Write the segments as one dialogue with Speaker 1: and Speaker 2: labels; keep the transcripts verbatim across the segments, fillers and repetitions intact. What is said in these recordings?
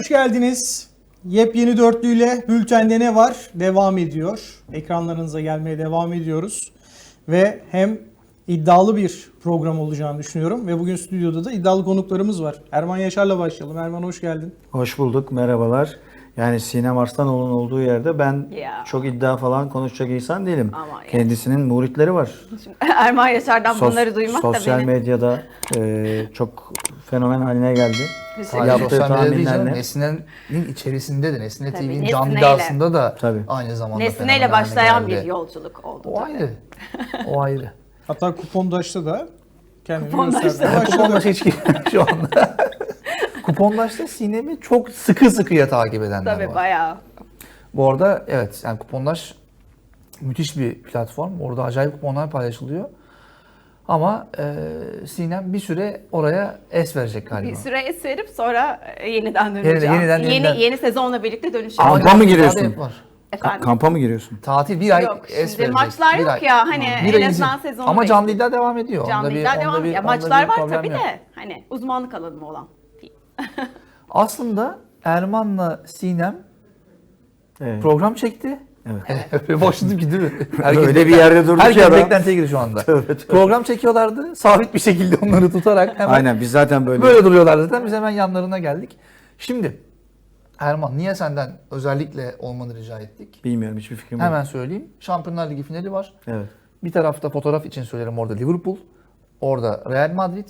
Speaker 1: Hoş geldiniz. Yepyeni dörtlüyle bültende ne var? Devam ediyor. Ekranlarınıza gelmeye devam ediyoruz. Ve hem iddialı bir program olacağını düşünüyorum. Ve bugün stüdyoda da iddialı konuklarımız var. Erman Yaşar'la başlayalım. Erman hoş geldin.
Speaker 2: Hoş bulduk, merhabalar. Yani Sinem Arslanoğlu'nun olduğu yerde ben
Speaker 3: Ya.
Speaker 2: çok iddia falan konuşacak insan değilim.
Speaker 3: Ama yani.
Speaker 2: Kendisinin muritleri var.
Speaker 3: Şimdi Erman Yaşar'dan
Speaker 2: Sos-
Speaker 3: bunları duymak da
Speaker 2: Sosyal
Speaker 3: beni...
Speaker 2: medyada e, çok fenomen haline geldi.
Speaker 3: Güzel.
Speaker 2: Yaptığı
Speaker 4: Sosyal medyada değil canım,
Speaker 2: tahminlerle.
Speaker 4: Nesne'nin içerisinde de, Nesne
Speaker 3: Tabii,
Speaker 4: T V'nin
Speaker 3: Nesne'yle.
Speaker 4: camiasında da
Speaker 2: Tabii.
Speaker 4: aynı zamanda
Speaker 3: Nesneyle
Speaker 4: fenomen
Speaker 3: başlayan
Speaker 4: haline
Speaker 3: bir
Speaker 4: geldi.
Speaker 3: yolculuk oldu.
Speaker 4: O
Speaker 3: tabii.
Speaker 4: ayrı. O ayrı.
Speaker 1: Hatta Kupondaş'ta da kendini
Speaker 3: Kupondaş'ta.
Speaker 1: göstermeye başladı.
Speaker 4: Kupondaş hiç şu anda. Kupondaş'ta Sinem'i çok sıkı sıkıya takip edenler
Speaker 3: Tabii
Speaker 4: var.
Speaker 3: bayağı.
Speaker 4: Bu arada evet, yani Kupondaş müthiş bir platform. Orada acayip kuponlar paylaşılıyor. Ama e, Sinem bir süre oraya es verecek galiba.
Speaker 3: Bir süre es verip sonra e, yeniden döneceğim.
Speaker 4: Yeniden, yeniden,
Speaker 3: yeni,
Speaker 4: yeniden.
Speaker 3: yeni sezonla birlikte dönüşeceğim.
Speaker 2: Ama Kampa mı giriyorsun?
Speaker 4: Tatil var.
Speaker 2: Ka-
Speaker 3: Efendim?
Speaker 2: kampa mı giriyorsun?
Speaker 4: Tatil bir ay
Speaker 3: Yok,
Speaker 4: es
Speaker 3: şimdi
Speaker 4: verecek.
Speaker 3: maçlar
Speaker 4: Bir
Speaker 3: yok
Speaker 4: ay.
Speaker 3: ya, hani
Speaker 4: Bir
Speaker 3: en
Speaker 4: ay
Speaker 3: azından
Speaker 4: izin.
Speaker 3: sezonu
Speaker 4: Ama canlı
Speaker 3: bekliyor.
Speaker 4: iddia devam ediyor.
Speaker 3: Canlı
Speaker 4: Onda bir-
Speaker 3: iddia
Speaker 4: onda
Speaker 3: devam
Speaker 4: bir-
Speaker 3: ediyor.
Speaker 4: onda
Speaker 3: Maçlar
Speaker 4: bir
Speaker 3: var
Speaker 4: problem
Speaker 3: tabii
Speaker 4: yok.
Speaker 3: de hani uzmanlık alanım olan değil.
Speaker 4: Aslında Erman'la Sinem
Speaker 2: Evet.
Speaker 4: program çekti.
Speaker 2: Evet.
Speaker 4: Başladım ki değil mi?
Speaker 2: Öyle bir yerde durdu ki
Speaker 4: Herkes
Speaker 2: adam.
Speaker 4: beklentiye girdi şu anda. Program çekiyorlardı. Sabit bir şekilde onları tutarak hemen
Speaker 2: Aynen biz zaten böyle.
Speaker 4: böyle duruyorlar zaten. Biz hemen yanlarına geldik. Şimdi Erman, niye senden özellikle olmanı rica ettik?
Speaker 2: Bilmiyorum, hiçbir fikrim yok.
Speaker 4: Hemen söyleyeyim. Şampiyonlar Ligi finali var.
Speaker 2: Evet.
Speaker 4: Bir tarafta fotoğraf için söylerim, orada Liverpool. Orada Real Madrid.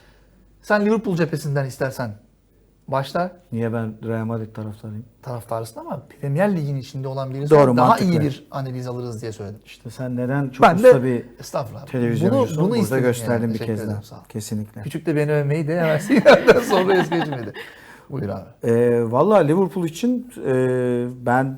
Speaker 4: Sen Liverpool cephesinden istersen başla.
Speaker 2: Niye ben Real Madrid taraftarıyım?
Speaker 4: Taraftarısın ama Premier Lig'in içinde olan birisi
Speaker 2: Doğru,
Speaker 4: daha
Speaker 2: mantıklı.
Speaker 4: iyi bir analiz alırız diye söyledim.
Speaker 2: İşte sen neden çok
Speaker 4: Ben
Speaker 2: usta
Speaker 4: de
Speaker 2: bir
Speaker 4: estağfurullah.
Speaker 2: televizyoncusun?
Speaker 4: Bunu, bunu
Speaker 2: Burada
Speaker 4: istedim
Speaker 2: gösterdin
Speaker 4: yani.
Speaker 2: bir
Speaker 4: Teşekkür
Speaker 2: kez daha.
Speaker 4: ederim, sağ ol.
Speaker 2: Kesinlikle.
Speaker 4: Küçük de beni övmeyi de hemen Sinem'den sonra es geçmedi. Buyur abi.
Speaker 2: Ee, Valla Liverpool için e, ben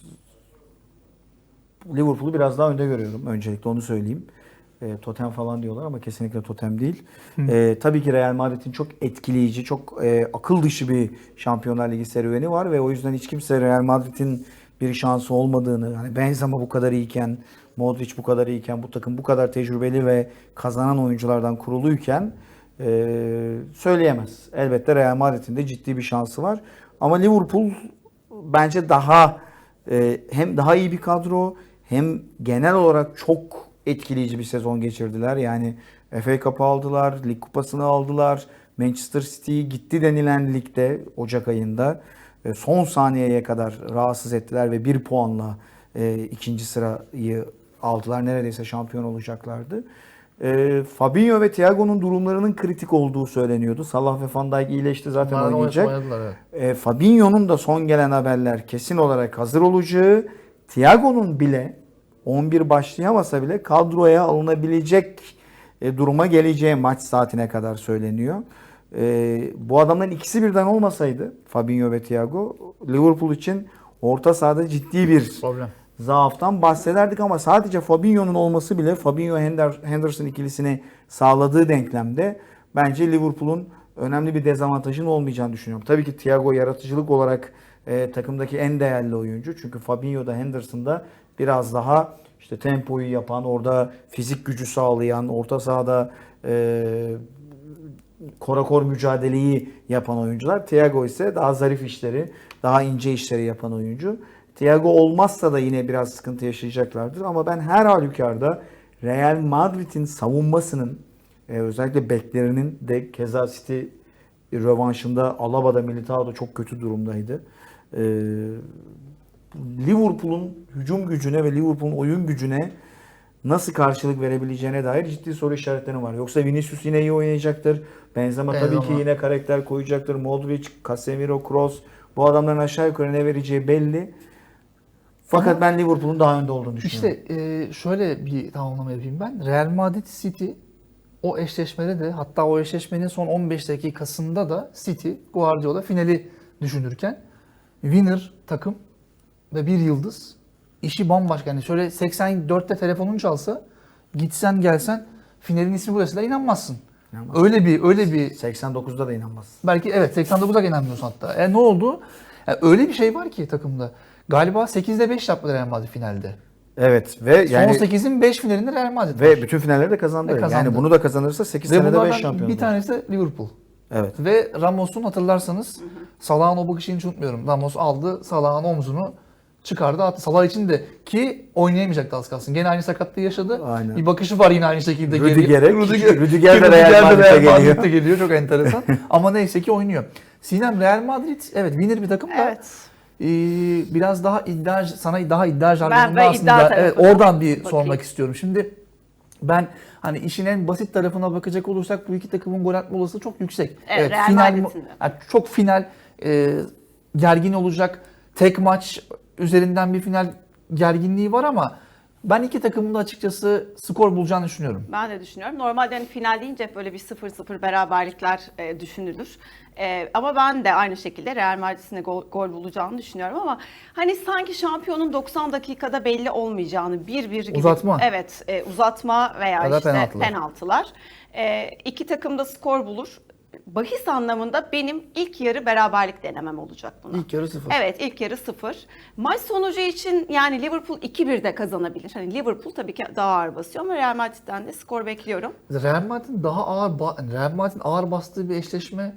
Speaker 2: Liverpool'u biraz daha önde görüyorum. Öncelikle onu söyleyeyim. E, totem falan diyorlar ama kesinlikle totem değil. E, tabii ki Real Madrid'in çok etkileyici, çok e, akıl dışı bir Şampiyonlar Ligi serüveni var ve o yüzden hiç kimse Real Madrid'in bir şansı olmadığını, hani Benzema bu kadar iyiyken, Modric bu kadar iyiyken, bu takım bu kadar tecrübeli ve kazanan oyunculardan kuruluyken e, söyleyemez. Elbette Real Madrid'in de ciddi bir şansı var. Ama Liverpool bence daha e, hem daha iyi bir kadro hem genel olarak çok etkileyici bir sezon geçirdiler. Yani F A Cup'ı aldılar, Lig Kupası'nı aldılar. Manchester City gitti denilen ligde Ocak ayında e, son saniyeye kadar rahatsız ettiler ve bir puanla e, ikinci sırayı aldılar. Neredeyse şampiyon olacaklardı. E, Fabinho ve Thiago'nun durumlarının kritik olduğu söyleniyordu. Salah ve Van Dijk iyileşti, zaten
Speaker 4: Onlardan
Speaker 2: oynayacak.
Speaker 4: oynadılar, evet.
Speaker 2: E, Fabinho'nun da son gelen haberler kesin olarak hazır olacağı, Thiago'nun bile on bir başlayamasa bile kadroya alınabilecek e, duruma geleceği maç saatine kadar söyleniyor. E, bu adamların ikisi birden olmasaydı, Fabinho ve Thiago, Liverpool için orta sahada ciddi bir
Speaker 4: Problem.
Speaker 2: zaaftan bahsederdik ama sadece Fabinho'nun olması bile Fabinho Henderson ikilisini sağladığı denklemde bence Liverpool'un önemli bir dezavantajının olmayacağını düşünüyorum. Tabii ki Thiago yaratıcılık olarak e, takımdaki en değerli oyuncu. Çünkü Fabinho'da, Henderson'da biraz daha işte tempoyu yapan, orada fizik gücü sağlayan, orta sahada e, korakor mücadeleyi yapan oyuncular. Thiago ise daha zarif işleri, daha ince işleri yapan oyuncu. Thiago olmazsa da yine biraz sıkıntı yaşayacaklardır. Ama ben her halükarda Real Madrid'in savunmasının e, özellikle beklerinin de keza City rövanşında Alaba'da, Militao'da çok kötü durumdaydı. E, Liverpool'un hücum gücüne ve Liverpool'un oyun gücüne nasıl karşılık verebileceğine dair ciddi soru işaretleri var. Yoksa Vinicius yine iyi oynayacaktır. Benzema,
Speaker 4: Benzema.
Speaker 2: tabii ki yine karakter koyacaktır. Modric, Casemiro, Kroos, bu adamların aşağı yukarı ne vereceği belli. Fakat
Speaker 4: Ama
Speaker 2: ben Liverpool'un daha önde olduğunu düşünüyorum.
Speaker 4: İşte e, şöyle bir tamamlama yapayım ben. Real Madrid City o eşleşmede de, hatta o eşleşmenin son on beş dakikasında da City Guardiola finali düşünürken winner takım ve bir yıldız, işi bambaşka. Yani şöyle seksen dörtte telefonun çalsa, gitsen gelsen finalin ismi burası da inanmazsın.
Speaker 2: İnanmaz.
Speaker 4: Öyle bir öyle bir
Speaker 2: seksen dokuzda da inanmaz.
Speaker 4: belki evet seksen dokuza inanmıyorsun hatta. E ne oldu? Yani öyle bir şey var ki takımda. Galiba sekizde beş yaptı Real Madrid finalde.
Speaker 2: Evet ve yani
Speaker 4: Son sekizin beş finalinde Real Madrid
Speaker 2: ve
Speaker 4: var.
Speaker 2: bütün finalleri de kazandı.
Speaker 4: Ve kazandı.
Speaker 2: Yani bunu da kazanırsa sekiz
Speaker 4: Ve
Speaker 2: senede beş
Speaker 4: bunlardan
Speaker 2: şampiyon.
Speaker 4: bir tanesi de Liverpool.
Speaker 2: Evet.
Speaker 4: Ve Ramos'un hatırlarsanız Salah'ın o bakışını hiç unutmuyorum. Ramos aldı Salah'ın omzunu çıkardı attı. Salah için de ki oynayamayacaktı az kalsın. Gene aynı sakatlığı yaşadı.
Speaker 2: Aynen.
Speaker 4: Bir bakışı var yine aynı şekilde.
Speaker 2: Rüdiger'e.
Speaker 4: Rüdiger,
Speaker 2: Rüdiger de
Speaker 4: Rüdiger
Speaker 2: Real
Speaker 4: de
Speaker 2: Madrid'e
Speaker 4: Real
Speaker 2: geliyor.
Speaker 4: Madrid'e geliyor. Çok enteresan. Ama neyse ki oynuyor. Sinem, Real Madrid evet winner bir takım da
Speaker 3: Evet.
Speaker 4: e, biraz daha iddia sana daha iddia
Speaker 3: Ben
Speaker 4: jargonunda
Speaker 3: ve
Speaker 4: aslında
Speaker 3: iddia
Speaker 4: evet,
Speaker 3: tarafına
Speaker 4: oradan bir
Speaker 3: bakayım.
Speaker 4: sormak istiyorum. Şimdi ben hani işin en basit tarafına bakacak olursak bu iki takımın gol atma olasılığı çok yüksek.
Speaker 3: Evet, Real
Speaker 4: final
Speaker 3: Madrid'in de.
Speaker 4: yani çok final e, gergin olacak. Tek maç üzerinden bir final gerginliği var ama ben iki takımın da açıkçası skor bulacağını düşünüyorum.
Speaker 3: Ben de düşünüyorum. Normalde hani final deyince hep böyle bir sıfır sıfır beraberlikler e, düşünülür. E, ama ben de aynı şekilde Real Madrid'in de gol, gol bulacağını düşünüyorum ama hani sanki şampiyonun doksan dakikada belli olmayacağını bir bir gibi.
Speaker 4: Uzatma.
Speaker 3: Evet, e, uzatma veya
Speaker 4: Ya da
Speaker 3: işte
Speaker 4: penaltılar.
Speaker 3: penaltılar. E, iki takım da skor bulur. Bahis anlamında benim ilk yarı beraberlik denemem olacak buna.
Speaker 4: İlk yarı sıfır.
Speaker 3: Evet, ilk yarı sıfır. Maç sonucu için yani Liverpool iki bir de kazanabilir. Hani Liverpool tabii ki daha ağır basıyor ama Real Madrid'den de skor bekliyorum.
Speaker 4: Real Madrid'in daha ağır ba- Real Madrid'in ağır bastığı bir eşleşme.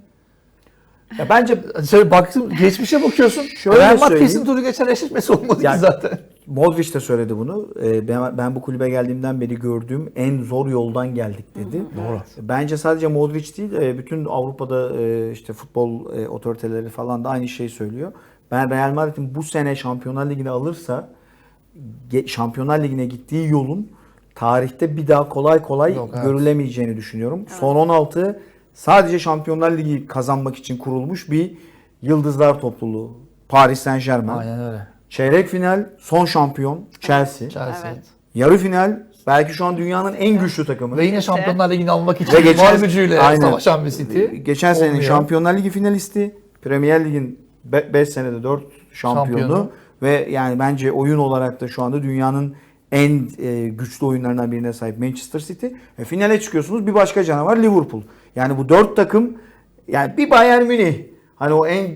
Speaker 2: Ya bence
Speaker 4: Şöyle baktım geçmişe bakıyorsun.
Speaker 2: Şöyle
Speaker 4: Real Madrid
Speaker 2: söyleyeyim.
Speaker 4: kesin turu geçen eşleşmesi olmadı
Speaker 2: Yani-
Speaker 4: ki zaten.
Speaker 2: Modric de söyledi bunu. Ee, Ben, ben bu kulübe geldiğimden beri gördüğüm en zor yoldan geldik dedi.
Speaker 4: Doğru.
Speaker 2: Bence sadece Modric değil, e, bütün Avrupa'da e, işte futbol e, otoriteleri falan da aynı şeyi söylüyor. Ben Real Madrid'in bu sene Şampiyonlar Ligi'ni alırsa ge- Şampiyonlar Ligi'ne gittiği yolun tarihte bir daha kolay kolay
Speaker 4: Yok, evet.
Speaker 2: görülemeyeceğini düşünüyorum. Son on altı sadece Şampiyonlar Ligi kazanmak için kurulmuş bir yıldızlar topluluğu. Paris Saint-Germain.
Speaker 4: Aynen öyle.
Speaker 2: Çeyrek final son şampiyon Chelsea.
Speaker 4: Chelsea.
Speaker 3: Evet.
Speaker 2: Yarı final belki şu an dünyanın en güçlü takımı.
Speaker 4: Ve yine Şampiyonlar Ligi'ni almak
Speaker 2: Ve
Speaker 4: için
Speaker 2: geçen-
Speaker 4: var gücüyle
Speaker 2: Aynen.
Speaker 4: savaşan bir City.
Speaker 2: Geçen senenin
Speaker 4: Olmuyor.
Speaker 2: Şampiyonlar Ligi finalisti, Premier Lig'in beş senede dört şampiyonu
Speaker 4: Şampiyonu.
Speaker 2: ve yani bence oyun olarak da şu anda dünyanın en e, güçlü oyunlarından birine sahip Manchester City. E, finale çıkıyorsunuz, bir başka canavar Liverpool. Yani bu dört takım, yani bir Bayern Münih, hani o en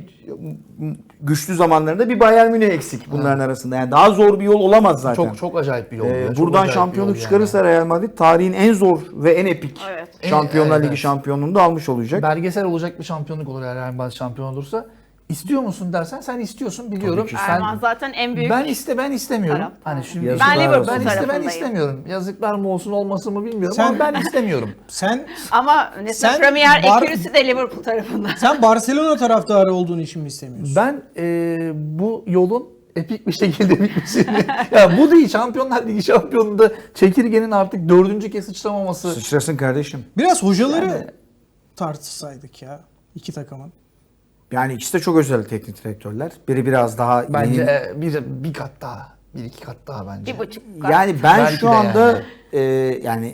Speaker 2: güçlü zamanlarında bir Bayern Münih eksik bunların arasında. Yani daha zor bir yol olamaz zaten.
Speaker 4: Çok çok acayip bir yol.
Speaker 2: Ee,
Speaker 4: ya, çok
Speaker 2: buradan
Speaker 4: acayip bir
Speaker 2: şampiyonluk
Speaker 4: yol
Speaker 2: çıkarırsa Real Madrid tarihin en zor ve en epik
Speaker 3: Evet.
Speaker 2: Şampiyonlar
Speaker 4: Evet,
Speaker 2: Ligi
Speaker 4: evet.
Speaker 2: şampiyonluğunu da almış olacak.
Speaker 4: Belgesel olacak bir şampiyonluk olur eğer Real Madrid şampiyon olursa. İstiyor musun dersen sen istiyorsun biliyorum.
Speaker 2: ki.
Speaker 4: Sen,
Speaker 3: Erman zaten en büyük
Speaker 4: ben iste ben istemiyorum.
Speaker 3: taraftar.
Speaker 4: Hani şimdi
Speaker 2: Yazıklar
Speaker 3: Ben Liverpool
Speaker 2: olsun.
Speaker 4: ben iste ben
Speaker 3: tarafındayım.
Speaker 4: istemiyorum. Yazıklar mı olsun olmasın mı bilmiyorum
Speaker 1: Sen-
Speaker 4: ama ben istemiyorum.
Speaker 1: Sen
Speaker 3: ama mesela
Speaker 1: Sen
Speaker 3: Premier
Speaker 1: Bar-
Speaker 3: ekürüsü de Liverpool tarafında.
Speaker 1: sen Barcelona taraftarı olduğun için mi istemiyorsun?
Speaker 4: Ben e, bu yolun epik bir şekilde bitmesini ya bu değil Şampiyonlar Ligi şampiyonunda çekirgenin artık dördüncü kez sıçramaması.
Speaker 2: Sıçrasın kardeşim.
Speaker 1: Biraz hocaları
Speaker 4: Yani-
Speaker 1: tartışsaydık ya iki takımın.
Speaker 2: Yani ikisi de çok özel teknik direktörler. Biri biraz daha
Speaker 4: Bence
Speaker 2: yeni-
Speaker 4: e, bir, bir kat daha. Bir iki kat daha bence.
Speaker 3: Bir buçuk. kat.
Speaker 2: yani ben
Speaker 4: Belki
Speaker 2: şu
Speaker 4: de
Speaker 2: anda
Speaker 4: yani.
Speaker 2: e, yani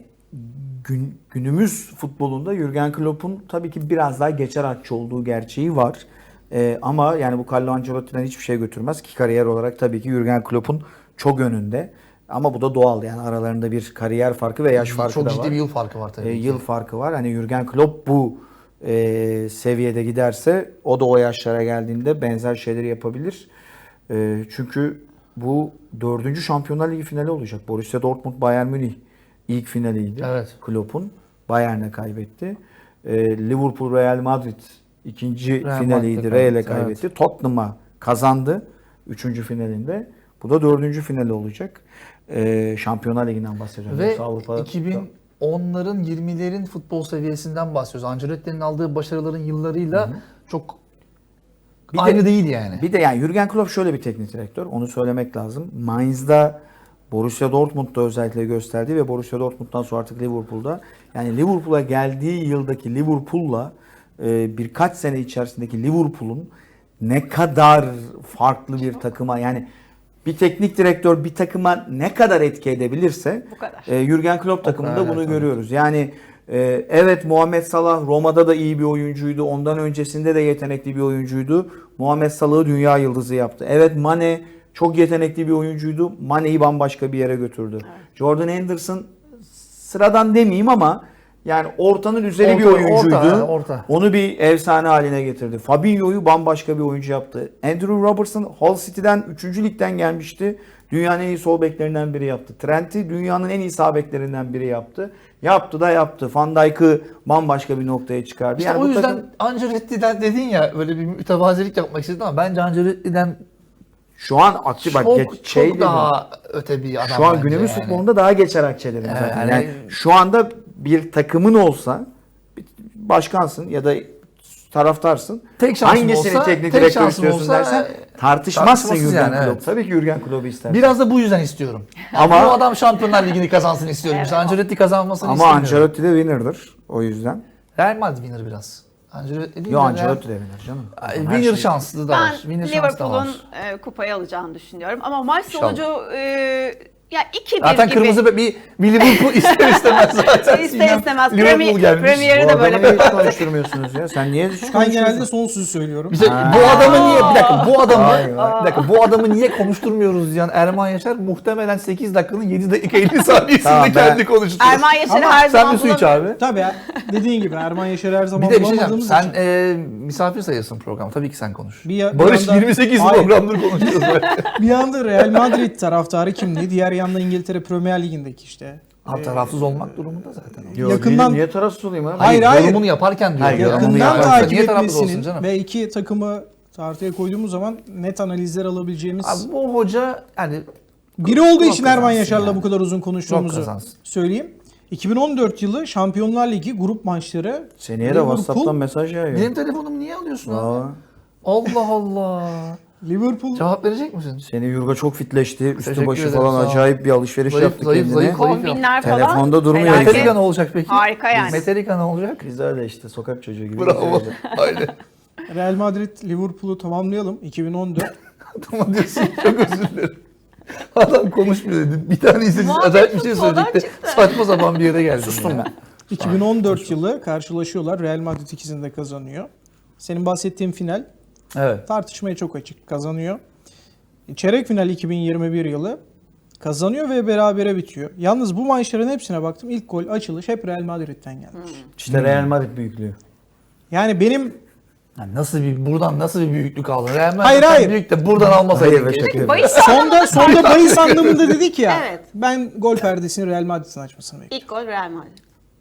Speaker 2: gün, günümüz futbolunda Jürgen Klopp'un tabii ki biraz daha geçer akçe olduğu gerçeği var. E, ama yani bu Carlo Ancelotti'den hiçbir şey götürmez ki kariyer olarak tabii ki Jürgen Klopp'un çok önünde. Ama bu da doğal, yani aralarında bir kariyer farkı ve yaş farkı
Speaker 4: Çok
Speaker 2: da
Speaker 4: ciddi
Speaker 2: var.
Speaker 4: bir yıl farkı var tabii
Speaker 2: E,
Speaker 4: ki.
Speaker 2: yıl farkı var. Hani Jürgen Klopp bu e, seviyede giderse o da o yaşlara geldiğinde benzer şeyleri yapabilir. E, çünkü bu dördüncü Şampiyonlar Ligi finali olacak. Borussia Dortmund Bayern Münih ilk finaliydi.
Speaker 4: Evet.
Speaker 2: Klopp'un Bayern'e kaybetti. E, Liverpool Real Madrid ikinci
Speaker 4: Real
Speaker 2: finaliydi.
Speaker 4: Madrid'e
Speaker 2: Real'e
Speaker 4: kaybetti,
Speaker 2: kaybetti. Tottenham'a kazandı üçüncü finalinde. Bu da dördüncü finali olacak. E, Şampiyonlar Ligi'nden bahsediyorum.
Speaker 4: Ve
Speaker 2: Yoksa Avrupa'da-
Speaker 4: iki bin onların yirmilerin futbol seviyesinden bahsediyoruz. Ancelotti'nin aldığı başarıların yıllarıyla çok
Speaker 2: Bir de-
Speaker 4: aynı değil yani.
Speaker 2: Bir de yani Jürgen Klopp şöyle bir teknik direktör. Onu söylemek lazım. Mainz'da, Borussia Dortmund'da özellikle gösterdiği ve Borussia Dortmund'dan sonra artık Liverpool'da. Yani Liverpool'a geldiği yıldaki Liverpool'la e, birkaç sene içerisindeki Liverpool'un ne kadar farklı bir takıma, yani bir teknik direktör bir takıma ne kadar etki edebilirse
Speaker 3: Bu kadar.
Speaker 2: e, Jürgen Klopp takımında
Speaker 4: kadar,
Speaker 2: bunu
Speaker 4: evet,
Speaker 2: görüyoruz. Yani e, evet, Muhammed Salah Roma'da da iyi bir oyuncuydu. Ondan öncesinde de yetenekli bir oyuncuydu. Muhammed Salah'ı dünya yıldızı yaptı. Evet, Mane çok yetenekli bir oyuncuydu. Mane'yi bambaşka bir yere götürdü. Jordan Henderson sıradan demeyeyim ama Yani ortanın üzeri
Speaker 4: Orta,
Speaker 2: bir oyuncuydu.
Speaker 4: orta, ha, orta.
Speaker 2: Onu bir efsane haline getirdi. Fabinho'yu bambaşka bir oyuncu yaptı. Andrew Robertson Hull City'den üçüncü ligden gelmişti. Dünyanın en iyi sol beklerinden biri yaptı. Trent'i dünyanın en iyi sağ beklerinden biri yaptı. Yaptı da yaptı. Van Dijk'ı bambaşka bir noktaya çıkardı.
Speaker 4: İşte
Speaker 2: yani
Speaker 4: o
Speaker 2: bu
Speaker 4: yüzden
Speaker 2: takım-
Speaker 4: Ancelotti'den dedin ya böyle bir mütevazilik yapmak istedin ama bence Ancelotti'den
Speaker 2: şu an aktif bak
Speaker 4: çok,
Speaker 2: geç-
Speaker 4: çok
Speaker 2: şey dedim.
Speaker 4: daha öte bir adam
Speaker 2: Şu an
Speaker 4: bence
Speaker 2: günümüz
Speaker 4: yani.
Speaker 2: futbolunda daha geçer akçelerim
Speaker 4: Evet,
Speaker 2: zaten.
Speaker 4: yani-
Speaker 2: Yani şu anda bir takımın olsa başkansın ya da taraftarsın.
Speaker 4: Tek şansım
Speaker 2: Hangisini
Speaker 4: olsa-
Speaker 2: teknik
Speaker 4: tek
Speaker 2: direktör
Speaker 4: şansım
Speaker 2: istiyorsun
Speaker 4: olsa,
Speaker 2: dersen
Speaker 4: e,
Speaker 2: tartışmazsın
Speaker 4: tartışmasız
Speaker 2: Jürgen
Speaker 4: yani,
Speaker 2: Klopp.
Speaker 4: evet.
Speaker 2: Tabii ki Jürgen Klopp'u istersin.
Speaker 4: Biraz da bu yüzden istiyorum.
Speaker 2: Ama-
Speaker 4: Ama bu adam Şampiyonlar Ligi'ni kazansın istiyorum.
Speaker 3: Evet.
Speaker 4: İşte Ancelotti kazanmasını
Speaker 2: Ama
Speaker 4: istemiyorum.
Speaker 2: Ancelotti de winner'dır o yüzden.
Speaker 4: Real Madrid winner biraz. Ancelotti değil
Speaker 2: Yo
Speaker 4: de
Speaker 2: Ancelotti de winner canım.
Speaker 4: Real-
Speaker 2: Her
Speaker 4: Winner
Speaker 2: şey-
Speaker 4: şanslı da
Speaker 3: Ben
Speaker 4: var. Winner şanslı da
Speaker 3: Liverpool'un
Speaker 4: var.
Speaker 3: e, kupayı alacağını düşünüyorum. Ama maç
Speaker 4: İnşallah.
Speaker 3: sonucu e, ya iki bir
Speaker 4: Zaten
Speaker 3: gibi.
Speaker 4: kırmızı bir, bir Liverpool ister istemez zaten.
Speaker 3: İster
Speaker 4: Sinem
Speaker 3: istemez.
Speaker 4: Liverpool
Speaker 3: Premier-
Speaker 4: gelmiş.
Speaker 3: Premier-
Speaker 2: Bu
Speaker 3: Yeri de böyle
Speaker 2: adamı hiç
Speaker 3: kapattı.
Speaker 2: konuşturmuyorsunuz ya. Sen niye hiç
Speaker 1: Ben
Speaker 2: konuşuyorsun?
Speaker 1: genelde son sözü söylüyorum.
Speaker 4: Bir şey- bu adamı niye bir dakika bu adamı
Speaker 2: Vay vay.
Speaker 4: bir dakika bu adamı niye konuşturmuyoruz diyen Erman Yaşar muhtemelen sekiz dakikanın yedi dakika elli saniyesinde
Speaker 2: Tamam, ben-
Speaker 4: kendi konuşturuyor.
Speaker 3: Erman Yaşar'ı
Speaker 1: Ama
Speaker 3: her
Speaker 4: Sen
Speaker 3: zaman
Speaker 4: bir su iç
Speaker 3: bulamıyorum.
Speaker 4: abi.
Speaker 1: Tabii ya, dediğin gibi Erman Yaşar her zaman
Speaker 4: Bir de bir şey diyeceğim.
Speaker 1: bulamadığımız
Speaker 4: Sen
Speaker 1: için.
Speaker 4: e, misafir sayılsın program. Tabii ki sen konuş.
Speaker 1: Bir ya- bir
Speaker 4: Barış
Speaker 1: yandan-
Speaker 4: yirmi sekiz
Speaker 1: Hayır.
Speaker 4: programdır konuşuyoruz. böyle.
Speaker 1: Bir yanda Real Madrid taraftarı kimliği, diğer yanda İngiltere Premier Ligi'ndeki işte.
Speaker 4: Abi tarafsız olmak durumunda zaten.
Speaker 2: Yo,
Speaker 1: Yakından-
Speaker 2: değilim. Niye tarafsız olayım abi?
Speaker 1: Hayır, hayır.
Speaker 4: Yorumunu yaparken diyor.
Speaker 2: Hayır, yorumunu
Speaker 1: Yakından
Speaker 2: yaparken.
Speaker 1: takip
Speaker 4: Niye tarafsız olsun
Speaker 1: etmesinin
Speaker 4: canım?
Speaker 1: ve iki takımı tartıya koyduğumuz zaman net analizler alabileceğimiz
Speaker 4: Abi bu hoca yani
Speaker 1: biri olduğu
Speaker 4: Klopp
Speaker 1: için Erman
Speaker 4: kazansın
Speaker 1: Yaşar'la
Speaker 4: yani.
Speaker 1: bu kadar uzun
Speaker 4: Klopp
Speaker 1: konuştuğumuzu
Speaker 4: kazansın.
Speaker 1: söyleyeyim. iki bin on dört yılı Şampiyonlar Ligi grup maçları
Speaker 2: Seneye de
Speaker 1: Liverpool-
Speaker 2: WhatsApp'tan mesaj yağıyor.
Speaker 4: benim telefonumu niye alıyorsun abi?
Speaker 2: Aa,
Speaker 4: Allah Allah.
Speaker 1: Liverpool
Speaker 4: Cevap verecek misin?
Speaker 2: Seni Yurga çok fitleşti. Üstü
Speaker 4: Teşekkür
Speaker 2: başı
Speaker 4: ederim,
Speaker 2: falan
Speaker 4: sağ ol.
Speaker 2: acayip bir alışveriş
Speaker 4: Zayıf,
Speaker 2: yaptı
Speaker 4: zayıf,
Speaker 2: kendine.
Speaker 4: zayıf, zayıf.
Speaker 3: Kombinler falan.
Speaker 2: Telefonda durmuyor.
Speaker 3: Felaket.
Speaker 4: Metallica ne olacak peki?
Speaker 3: Harika yani.
Speaker 4: Metallica ne olacak?
Speaker 2: Biz de öyle işte sokak çocuğu gibi.
Speaker 4: Bravo. Aynen.
Speaker 1: Real Madrid Liverpool'u tamamlayalım. iki bin on dört.
Speaker 4: Tamam diyorsun. Çok özür dilerim. Adam konuşmuyor dedim. Bir tane izledi.
Speaker 3: Muhabbet
Speaker 4: Acayip bir şey
Speaker 3: futboldan
Speaker 4: söyleyecekti.
Speaker 3: çıktı.
Speaker 4: Saçma sapan bir yere geldim.
Speaker 2: Sustum
Speaker 4: ya.
Speaker 2: ben.
Speaker 1: iki bin on dört yılı karşılaşıyorlar. Real Madrid ikisini de kazanıyor. Senin bahsettiğin final
Speaker 4: Evet.
Speaker 1: tartışmaya çok açık. Kazanıyor. Çeyrek final iki bin yirmi bir yılı kazanıyor ve berabere bitiyor. Yalnız bu maçların hepsine baktım. İlk gol, açılış hep Real Madrid'den gelmiş.
Speaker 2: İşte Real Madrid büyüklüğü.
Speaker 1: Yani benim
Speaker 4: Yani nasıl bir buradan nasıl bir büyüklük aldın? Real Madrid
Speaker 1: Hayır, hayır.
Speaker 4: büyük de buradan almasaydın.
Speaker 2: Hayır,
Speaker 4: keşke.
Speaker 2: şaka yapıyorum.
Speaker 3: Bahis
Speaker 1: sonda sonda bahis anlamında dedik ya.
Speaker 3: Evet.
Speaker 1: Ben gol perdesini Real Madrid'in açmasını bekliyorum.
Speaker 3: İlk gol Real Madrid.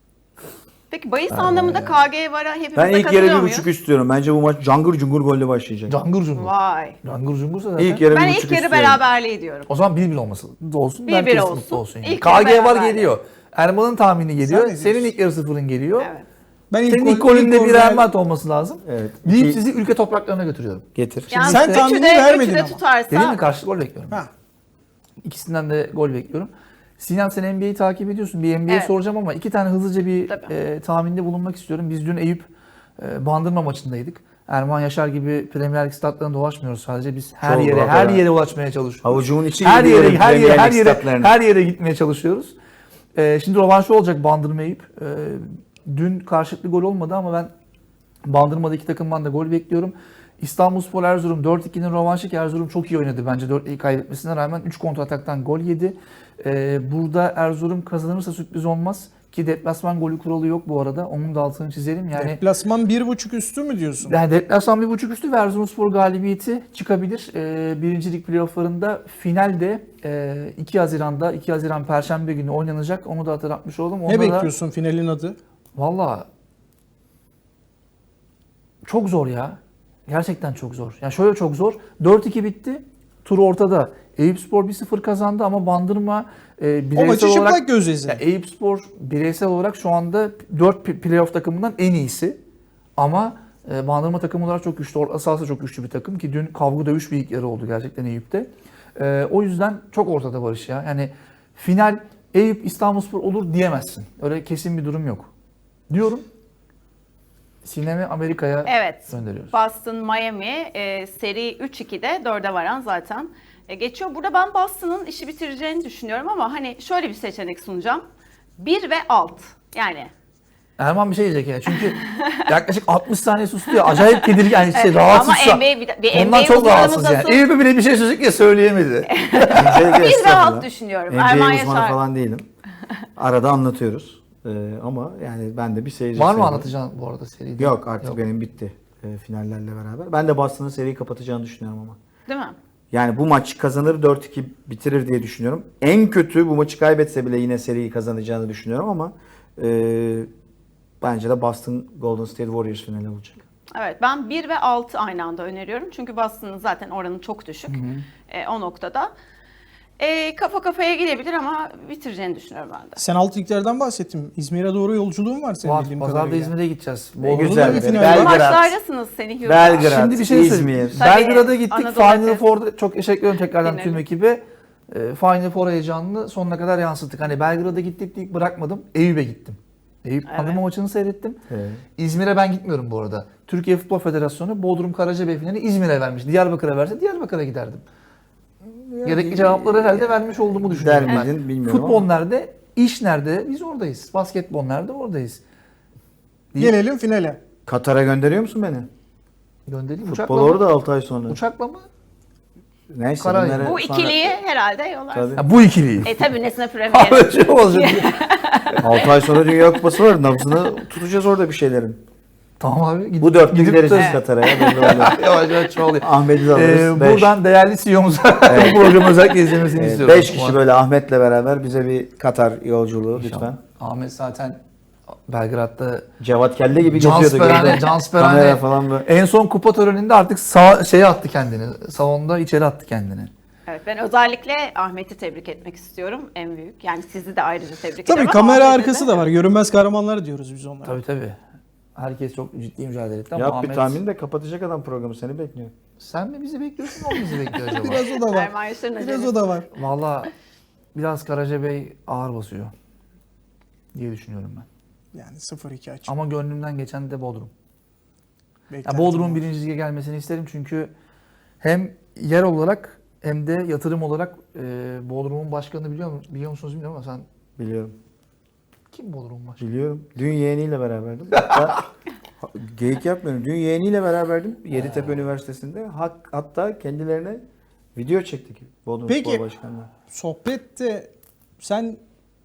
Speaker 3: Peki bahis anlamında K G Vara hepimiz
Speaker 2: Ben
Speaker 3: de
Speaker 2: ilk
Speaker 3: katılıyor
Speaker 2: yarı bir
Speaker 3: muyuz?
Speaker 2: buçuk istiyorum. Bence bu maç cangır cungur golle başlayacak.
Speaker 4: Cangır cungur.
Speaker 3: Vay.
Speaker 4: Cangır cungursa zaten.
Speaker 2: İlk yarı
Speaker 3: Ben
Speaker 2: bir
Speaker 3: ilk
Speaker 2: buçuk
Speaker 3: yarı
Speaker 2: istiyorum.
Speaker 3: beraberliği diyorum.
Speaker 4: O zaman bir bir olması olsun.
Speaker 3: Bir bir
Speaker 4: herkes
Speaker 3: olsun.
Speaker 4: mutlu olsun. Yani.
Speaker 3: İlk
Speaker 4: K
Speaker 3: yarı
Speaker 4: G var
Speaker 3: beraberlik.
Speaker 4: geliyor. Erman'ın tahmini geliyor.
Speaker 1: Sen ne
Speaker 4: Senin
Speaker 1: diyorsun?
Speaker 4: ilk yarı sıfırın geliyor.
Speaker 3: Evet.
Speaker 1: Ben ilk
Speaker 4: Senin
Speaker 1: gol-
Speaker 4: ilk golünde
Speaker 1: gol
Speaker 4: bir Real Madrid olması lazım.
Speaker 2: Evet.
Speaker 4: Deyip
Speaker 2: İki-
Speaker 4: sizi ülke topraklarına götürüyorum.
Speaker 2: Getir.
Speaker 3: Yani
Speaker 1: Sen
Speaker 3: üçü
Speaker 1: tahmini
Speaker 3: de-
Speaker 1: vermedin
Speaker 3: üçü de
Speaker 1: ama.
Speaker 3: tutarsa
Speaker 4: Dedim mi karşı gol bekliyorum.
Speaker 1: Ha.
Speaker 4: İkisinden de gol bekliyorum. Sinan sen N B A'yi takip ediyorsun. Bir N B A
Speaker 3: Evet.
Speaker 4: soracağım ama iki tane hızlıca bir
Speaker 3: Tabii.
Speaker 4: e, tahminde bulunmak istiyorum. Biz dün Eyüp e, Bandırma maçındaydık. Erman Yaşar gibi Premier Lig statlarında dolaşmıyoruz sadece. Biz her
Speaker 2: Çok
Speaker 4: yere
Speaker 2: rahat
Speaker 4: her
Speaker 2: ya.
Speaker 4: yere ulaşmaya çalışıyoruz.
Speaker 2: Havucumun içi
Speaker 4: her
Speaker 2: gibi
Speaker 4: yere
Speaker 2: yerim
Speaker 4: her yere
Speaker 2: Premier
Speaker 4: her
Speaker 2: Lig
Speaker 4: yere
Speaker 2: statlarını.
Speaker 4: her yere gitmeye çalışıyoruz. E, şimdi rövanşı olacak Bandırma Eyüp. E, dün karşılıklı gol olmadı ama ben Bandırma'da iki takımdan da gol bekliyorum. İstanbulspor Erzurum dört ikinin rövanşı ki Erzurum çok iyi oynadı bence dört iki kaybetmesine rağmen üç kontrataktan gol yedi. Ee, burada Erzurum kazanırsa sürpriz olmaz ki deplasman golü kuralı yok bu arada. Onun da altını çizelim. Yani
Speaker 1: Deplasman bir buçuk üstü mü diyorsun?
Speaker 4: yani deplasman bir buçuk üstü ve Erzurumspor galibiyeti çıkabilir. Ee, birincilik playofflarında finalde e, iki Haziran'da iki Haziran Perşembe günü oynanacak. Onu da hatırlatmış oldum.
Speaker 1: Ne
Speaker 4: Onda da-
Speaker 1: bekliyorsun finalin adı?
Speaker 4: Valla çok zor ya. Gerçekten çok zor. Yani şöyle çok zor. dört iki bitti. Tur ortada. Eyüpspor bir sıfır kazandı ama Bandırma e,
Speaker 1: O
Speaker 4: bireysel
Speaker 1: maçı
Speaker 4: olarak
Speaker 1: çıplak göz izle.
Speaker 4: ya Eyüpspor bireysel olarak şu anda dört pi- playoff takımından en iyisi. Ama e, Bandırma takımı olarak çok güçlü. Orta sahası çok güçlü bir takım ki dün kavga dövüş bir ilk yarı oldu gerçekten Eyüp'te. E, o yüzden çok ortada Barış ya. Yani final Eyüp İstanbulspor olur diyemezsin. Öyle kesin bir durum yok. Diyorum. Sinem'i Amerika'ya
Speaker 3: Evet.
Speaker 4: gönderiyoruz.
Speaker 3: Boston, Miami e, seri üç ikide dörde varan zaten e, geçiyor. Burada ben Boston'ın işi bitireceğini düşünüyorum ama hani şöyle bir seçenek sunacağım. bir ve alt. Yani
Speaker 4: Erman bir şey diyecek ya. Çünkü yaklaşık altmış saniye sustu ya. Acayip tedirgin. Yani şey,
Speaker 3: Evet,
Speaker 4: rahatsız
Speaker 3: ama
Speaker 4: şu an.
Speaker 3: N B A bir- bir N B A
Speaker 4: Ondan çok
Speaker 3: uzmanımız
Speaker 4: rahatsız yani.
Speaker 3: asıl-
Speaker 4: Eyüp'e bile bir şey söyleyecek ya söyleyemedi.
Speaker 3: bir ve alt düşünüyorum.
Speaker 2: N B A
Speaker 3: Erman
Speaker 2: uzmanı
Speaker 3: Yaşar.
Speaker 2: falan değilim. Arada anlatıyoruz. Ee, ama yani ben de bir seyirci
Speaker 4: Var mı
Speaker 2: sayılırım.
Speaker 4: anlatacağın bu arada seride?
Speaker 2: Yok artık
Speaker 4: Yok.
Speaker 2: benim bitti e, finallerle beraber. Ben de Boston'ın seriyi kapatacağını düşünüyorum ama.
Speaker 3: Değil mi?
Speaker 2: Yani bu maç kazanır dört iki bitirir diye düşünüyorum. En kötü bu maçı kaybetse bile yine seriyi kazanacağını düşünüyorum ama e, bence de Boston Golden State Warriors finali olacak.
Speaker 3: Evet, ben bir ve altı aynı anda öneriyorum. Çünkü Boston'ın zaten oranı çok düşük e, o noktada. E, kafa kafaya gidebilir ama bitireceğini düşünüyorum ben de.
Speaker 1: Sen alt liglerden bahsettin. İzmir'e doğru yolculuğun var senin
Speaker 4: Var.
Speaker 1: bildiğim
Speaker 4: Pazarda
Speaker 1: kadarıyla.
Speaker 4: İzmir'e gideceğiz.
Speaker 2: Ne
Speaker 4: Bodrum'da
Speaker 2: güzel.
Speaker 1: bir
Speaker 2: be.
Speaker 1: final
Speaker 2: Belgrad,
Speaker 3: Maçlardasınız seni Hürrem.
Speaker 2: Belgrad,
Speaker 4: Şimdi bir şey söyleyeyim.
Speaker 2: İzmir.
Speaker 3: Tabii,
Speaker 4: Belgrad'a gittik.
Speaker 3: Anadolu
Speaker 4: Final
Speaker 3: Efes.
Speaker 4: Four'da çok teşekkür ederim tekrardan
Speaker 3: Finali.
Speaker 4: tüm ekibe. E, Final Four heyecanını sonuna kadar yansıttık. Hani Belgrad'a gittik deyip bırakmadım. Eyüp'e gittim. Eyüp
Speaker 3: Evet.
Speaker 4: Panama maçını seyrettim.
Speaker 2: Evet.
Speaker 4: İzmir'e ben gitmiyorum bu arada. Türkiye Futbol Federasyonu Bodrum Karacabey finali İzmir'e vermiş. Diyarbakır'a verse Diyarbakır'a giderdim. Gerekli cevapları herhalde vermiş olduğumu düşünüyorum
Speaker 2: Der
Speaker 4: ben.
Speaker 2: miydin bilmiyorum
Speaker 4: Futbol
Speaker 2: ama.
Speaker 4: nerede? İş nerede? Biz oradayız. Basketbol nerede? Oradayız.
Speaker 1: Gelelim finale.
Speaker 2: Katar'a gönderiyor musun beni?
Speaker 4: Göndereyim.
Speaker 2: Futbol
Speaker 4: Uçakla
Speaker 2: orada
Speaker 4: mı?
Speaker 2: altı ay sonra.
Speaker 4: Uçakla mı?
Speaker 2: Neyse
Speaker 4: Karay.
Speaker 2: bunları
Speaker 3: Bu
Speaker 2: sonra-
Speaker 3: ikiliyi herhalde yollarsın.
Speaker 2: Tabii.
Speaker 4: Ha, bu ikiliyi.
Speaker 3: E tabii Nesne Premier.
Speaker 4: Böyle şey olacak.
Speaker 2: altı ay sonra Dünya Kupası var. Nabzını tutacağız orada bir şeylerin.
Speaker 4: Tamam abi. Gidip,
Speaker 2: Bu dörtlü
Speaker 4: gidip
Speaker 2: gideriz
Speaker 4: de-
Speaker 2: biz Katar'a ya. belli oluyor.
Speaker 4: Yavaş yavaş çoğalıyor.
Speaker 2: Ahmet'i de alırız.
Speaker 4: Ee,
Speaker 2: beş.
Speaker 4: buradan değerli C E O'muza bu programı özellikle izlemesini
Speaker 2: Evet,
Speaker 4: istiyorum.
Speaker 2: beş kişi böyle Ahmet'le beraber bize bir Katar yolculuğu
Speaker 4: İnşallah.
Speaker 2: lütfen.
Speaker 4: Ahmet zaten Belgrad'da
Speaker 2: Cevat Kelle gibi geziyordu.
Speaker 4: Cansperane,
Speaker 2: geride.
Speaker 4: Cansperane.
Speaker 2: Kamera falan böyle.
Speaker 4: En son kupa töreninde artık sağ, şeye attı kendini. Salonda içeri attı kendini.
Speaker 3: Evet, ben özellikle Ahmet'i tebrik etmek istiyorum. En büyük. Yani sizi de ayrıca tebrik
Speaker 1: Tabii
Speaker 3: ederim.
Speaker 1: kamera
Speaker 3: ama Ahmet'e
Speaker 1: arkası da var. Görünmez kahramanlar diyoruz biz onlara.
Speaker 4: Tabii tabii. Herkes çok ciddi mücadele etti ama
Speaker 2: Yap bir
Speaker 4: Ahmet...
Speaker 2: tahmin de kapatacak adam programı seni bekliyor.
Speaker 4: Sen mi bizi bekliyorsun, o mu bizi bekliyor acaba?
Speaker 1: Biraz o da var.
Speaker 3: Erman Yaşar'ın
Speaker 1: Biraz
Speaker 3: acelesi.
Speaker 1: o da var.
Speaker 4: Valla biraz Karacabey ağır basıyor diye düşünüyorum ben.
Speaker 1: Yani sıfır iki açık.
Speaker 4: Ama gönlümden geçen de Bodrum. Ya
Speaker 1: Beklentim
Speaker 4: Bodrum'un
Speaker 1: var.
Speaker 4: birinci lige gelmesini isterim çünkü hem yer olarak hem de yatırım olarak e, Bodrum'un başkanını biliyor, mu- biliyor musunuz bilmiyorum ama sen
Speaker 2: Biliyorum.
Speaker 4: kim Bodrum'un başkanı?
Speaker 2: Biliyorum. Dün yeğeniyle beraberdim. Hatta geyik yapmıyorum. Dün yeğeniyle beraberdim. Yeditepe Üniversitesi'nde. Hak, hatta kendilerine video çektik. Bodrum
Speaker 1: Peki.
Speaker 2: Spor Başkanı'na.
Speaker 1: Sohbette sen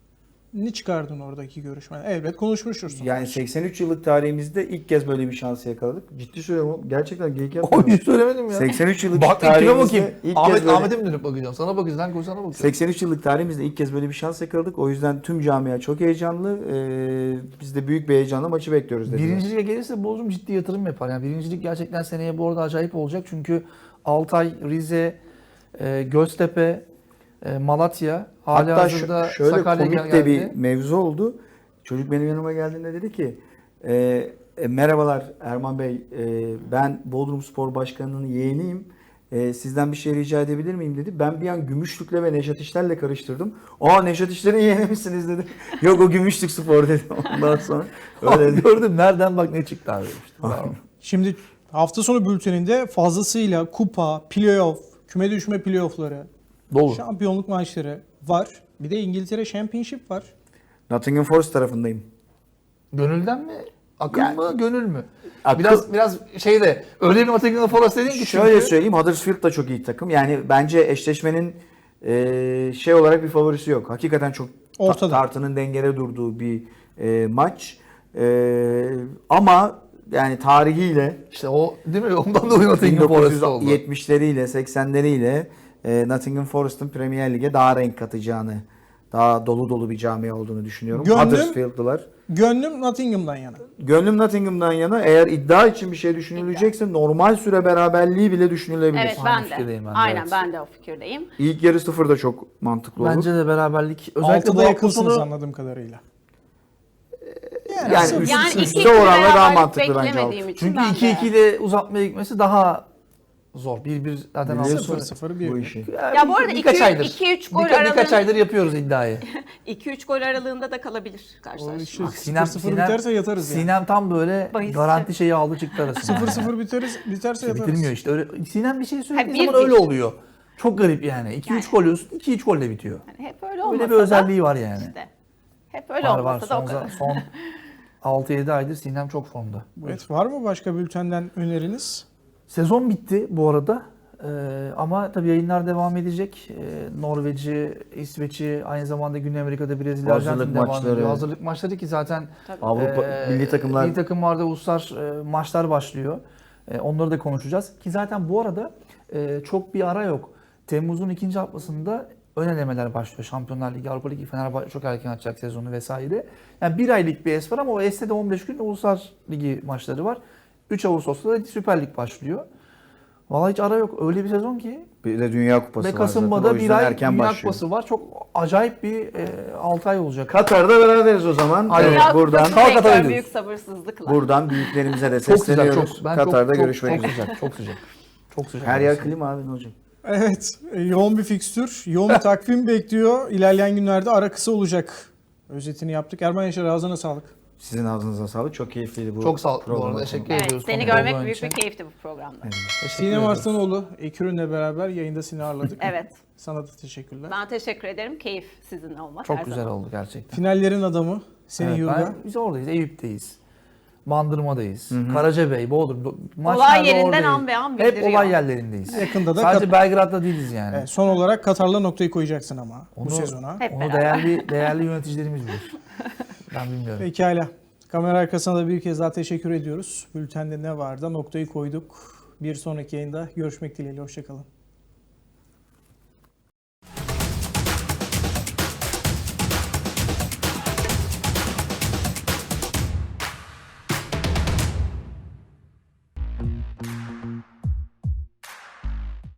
Speaker 1: ne çıkardın oradaki görüşmeden? Elbet konuşmuştursun.
Speaker 2: Yani seksen üç yıllık tarihimizde ilk kez böyle bir şansı yakaladık. Ciddi söylüyorum. Gerçekten geyik
Speaker 4: O
Speaker 2: yapmıyorum.
Speaker 4: hiç söylemedim ya.
Speaker 2: seksen üç yıllık
Speaker 4: Bak kime
Speaker 2: tarihimizde
Speaker 4: bakayım.
Speaker 2: ilk
Speaker 4: Ahmet,
Speaker 2: kez böyle...
Speaker 4: Ahmet'e mi dönüp bakacağım? Sana bakacağız. Lan koy sana bakacağım.
Speaker 2: seksen üç yıllık tarihimizde ilk kez böyle bir şans yakaladık. O yüzden tüm camia çok heyecanlı. Ee, biz de büyük bir heyecanla maçı bekliyoruz dediler.
Speaker 4: Birinci lige gelirse Bodrum ciddi yatırım yapar. Yani birincilik gerçekten seneye bu arada acayip olacak. Çünkü Altay, Rize, e, Göztepe, e, Malatya, hali
Speaker 2: Hatta
Speaker 4: hazırda
Speaker 2: şu- şöyle
Speaker 4: Sakarya
Speaker 2: komik
Speaker 4: geldi.
Speaker 2: de bir mevzu oldu. Çocuk benim yanıma geldiğinde dedi ki e, e, merhabalar Erman Bey, e, ben Bodrum Spor Başkanı'nın yeğeniyim. E, sizden bir şey rica edebilir miyim dedi. Ben bir an Gümüşlük'le ve Neşat İşler'le karıştırdım. Aa Neşat İşler'in yeğeni misiniz dedi. Yok o Gümüşlük Spor dedi. Ondan sonra öyle dedi.
Speaker 4: Gördüm nereden bak ne çıktı abi. İşte. Bravo.
Speaker 1: Şimdi hafta sonu bülteninde fazlasıyla kupa, playoff, küme düşme playoffları,
Speaker 4: Dolu.
Speaker 1: şampiyonluk maçları var. Bir de İngiltere Championship var.
Speaker 2: Nottingham Forest tarafındayım.
Speaker 4: Gönülden mi? Akıl
Speaker 2: Yani-
Speaker 4: mı? Gönül mü?
Speaker 2: Akıl-
Speaker 4: Biraz biraz şeyde öyle bir Nottingham Forest dedin ki
Speaker 2: Şöyle
Speaker 4: çünkü-
Speaker 2: söyleyeyim, Huddersfield da çok iyi takım. Yani bence eşleşmenin e, şey olarak bir favorisi yok. Hakikaten çok ta-
Speaker 1: Ortada.
Speaker 2: tartının dengede durduğu bir e, maç. E, ama yani tarihiyle
Speaker 4: İşte o değil mi? Ondan dolayı Nottingham Forest oldu.
Speaker 2: bin dokuz yüz yetmişleriyle seksenleriyle e, Nottingham Forest'ın Premier Lig'e daha renk katacağını, daha dolu dolu bir camia olduğunu düşünüyorum.
Speaker 1: Gönlüm-
Speaker 2: Huddersfield'lılar.
Speaker 1: Gönlüm Nottingham'dan yana.
Speaker 2: Gönlüm Nottingham'dan yana. Eğer iddia için bir şey düşünülecekse normal süre beraberliği bile düşünülebilir.
Speaker 3: Evet
Speaker 4: Aynı
Speaker 3: ben de.
Speaker 4: fikirdeyim ben de,
Speaker 3: Aynen
Speaker 4: evet.
Speaker 3: ben de o fikirdeyim.
Speaker 2: İlk yarı sıfır da çok mantıklı olur.
Speaker 4: Bence de beraberlik özellikle bu
Speaker 1: Altıda
Speaker 4: hafta
Speaker 1: yakınsınız
Speaker 4: sonu
Speaker 1: anladığım kadarıyla.
Speaker 2: Yani
Speaker 1: sıfır-
Speaker 2: üst-
Speaker 3: Yani
Speaker 2: üste
Speaker 3: iki
Speaker 2: oranla daha
Speaker 3: beraberlik
Speaker 2: mantıklı bence
Speaker 3: beklemediğim için
Speaker 4: çünkü
Speaker 3: ben
Speaker 4: iki
Speaker 3: de.
Speaker 4: iki ile uzatmaya gitmesi daha zor. bir bir zaten
Speaker 2: Biliyorsun.
Speaker 4: altı
Speaker 1: sıfır sıfır bir.
Speaker 2: bu işi.
Speaker 3: Ya bu arada
Speaker 4: birkaç
Speaker 3: iki-
Speaker 4: aydır.
Speaker 3: iki üç gol
Speaker 4: Birka- birkaç
Speaker 3: aralığında-
Speaker 4: aydır yapıyoruz iddiayı.
Speaker 3: iki üç gol aralığında da kalabilir
Speaker 1: O
Speaker 3: karşılaşma.
Speaker 1: işi
Speaker 4: Bak,
Speaker 1: sıfır sıfır biterse yatarız yani.
Speaker 4: Sinem tam böyle
Speaker 3: Bahisçi.
Speaker 4: garanti şeyi aldı çıktı arasında.
Speaker 1: sıfır sıfır biteriz, biterse
Speaker 4: İşte
Speaker 1: yatarız.
Speaker 4: bitirmiyor işte. Öyle, Sinem bir şey söylediği
Speaker 3: Ha, bir-
Speaker 4: zaman öyle
Speaker 3: bir.
Speaker 4: oluyor. Çok garip yani. iki üç gol yiyorsun, iki üç golle bitiyor.
Speaker 3: Yani hep öyle olmasa
Speaker 4: Öyle bir özelliği var yani.
Speaker 3: da işte. Hep öyle
Speaker 4: var var.
Speaker 3: olmasa da o
Speaker 4: Son,
Speaker 3: kadar.
Speaker 4: son altı yedi aydır Sinem çok formda.
Speaker 1: Evet, var mı başka bültenden öneriniz?
Speaker 4: Sezon bitti bu arada. Ee, ama tabii yayınlar devam edecek. Ee, Norveç'i, İsveç'i, aynı zamanda Güney Amerika'da Brezilya,
Speaker 2: Hazırlık
Speaker 4: Arjantin devam
Speaker 2: maçları.
Speaker 4: ediyor. Hazırlık maçları ki zaten
Speaker 3: Tabii.
Speaker 2: Avrupa
Speaker 4: e,
Speaker 2: milli takımlar
Speaker 4: milli takımlarda uluslar e, maçlar başlıyor. E, onları da konuşacağız. Ki zaten bu arada e, çok bir ara yok. Temmuz'un ikinci haftasında ön elemeler başlıyor. Şampiyonlar Ligi, Avrupa Ligi, Fenerbahçe çok erken açacak sezonu vesaire. Yani bir aylık bir es var ama o S'te de on beş gün Uluslar Ligi maçları var. üç Ağustos'ta da Süper Lig başlıyor. Vallahi hiç ara yok. Öyle bir sezon ki.
Speaker 2: bir de Dünya Kupası
Speaker 4: Ve
Speaker 2: var zaten.
Speaker 4: Kasım'da
Speaker 2: O
Speaker 4: bir
Speaker 2: yüzden
Speaker 4: ay
Speaker 2: erken
Speaker 4: Dünya
Speaker 2: başlıyor.
Speaker 4: Kupası var. Çok acayip bir e, altı ay olacak.
Speaker 2: Katar'da beraberiz o zaman.
Speaker 4: Aynen.
Speaker 2: Evet,
Speaker 3: Dünya
Speaker 2: buradan
Speaker 3: Kupası'nı
Speaker 4: Kalk
Speaker 3: bekliyorum
Speaker 4: Katar'a
Speaker 3: büyük sabırsızlıkla.
Speaker 2: buradan büyüklerimize de
Speaker 4: Çok sıcak.
Speaker 2: sesleniyoruz.
Speaker 4: Çok, ben
Speaker 2: Katar'da
Speaker 4: çok, çok,
Speaker 2: görüşmek
Speaker 4: çok
Speaker 2: üzere.
Speaker 4: sıcak. Çok sıcak. Çok sıcak.
Speaker 2: Her yer klima abi ne olacak?
Speaker 1: Evet, e, yoğun bir fikstür, yoğun bir takvim bekliyor. İlerleyen günlerde ara kısa olacak. Özetini yaptık. Erman Yaşar, ağzına sağlık.
Speaker 2: Sizin ağzınıza sağlık. Çok keyifliydi bu
Speaker 4: Çok sağ ol. Bu
Speaker 2: programa
Speaker 4: arada
Speaker 2: konuk
Speaker 4: teşekkür
Speaker 2: olmak.
Speaker 3: Evet,
Speaker 4: ediyoruz.
Speaker 3: seni
Speaker 4: konuk
Speaker 3: görmek
Speaker 4: olduğun
Speaker 3: büyük
Speaker 4: için.
Speaker 3: bir keyifti bu programda.
Speaker 4: Teşekkür
Speaker 1: Sinem
Speaker 4: ediyoruz.
Speaker 1: Arslanoğlu, Ekürün'le beraber yayında seni ağırladık.
Speaker 3: Evet.
Speaker 1: Sana da teşekkürler.
Speaker 3: Ben teşekkür ederim. Keyif sizin olmak
Speaker 4: Çok
Speaker 3: her
Speaker 4: güzel
Speaker 3: zaman.
Speaker 4: oldu gerçekten.
Speaker 1: Finallerin adamı, seni
Speaker 4: Evet,
Speaker 1: Yurga.
Speaker 4: ben- biz oradayız. Eyüp'teyiz. Bandırma'dayız. Karacabey, Bodrum.
Speaker 3: Olay
Speaker 4: Maçlarda
Speaker 3: yerinden
Speaker 4: oradayız.
Speaker 3: an be an
Speaker 4: Hep
Speaker 3: bildiriyor.
Speaker 4: olay yerlerindeyiz.
Speaker 1: Yakında da
Speaker 4: Sadece
Speaker 1: Kat-
Speaker 4: Belgrad'da değiliz yani.
Speaker 1: Evet, son olarak Katar'la noktayı koyacaksın ama bu
Speaker 4: Onu-
Speaker 1: sezona.
Speaker 3: Hep
Speaker 4: Onu
Speaker 3: beraber.
Speaker 4: değerli değerli yöneticilerimiz bilir. Ben bilmiyorum.
Speaker 1: Pekala. Kamera arkasına da bir kez daha teşekkür ediyoruz. Bültende ne var da noktayı koyduk. Bir sonraki yayında görüşmek dileğiyle. Hoşçakalın.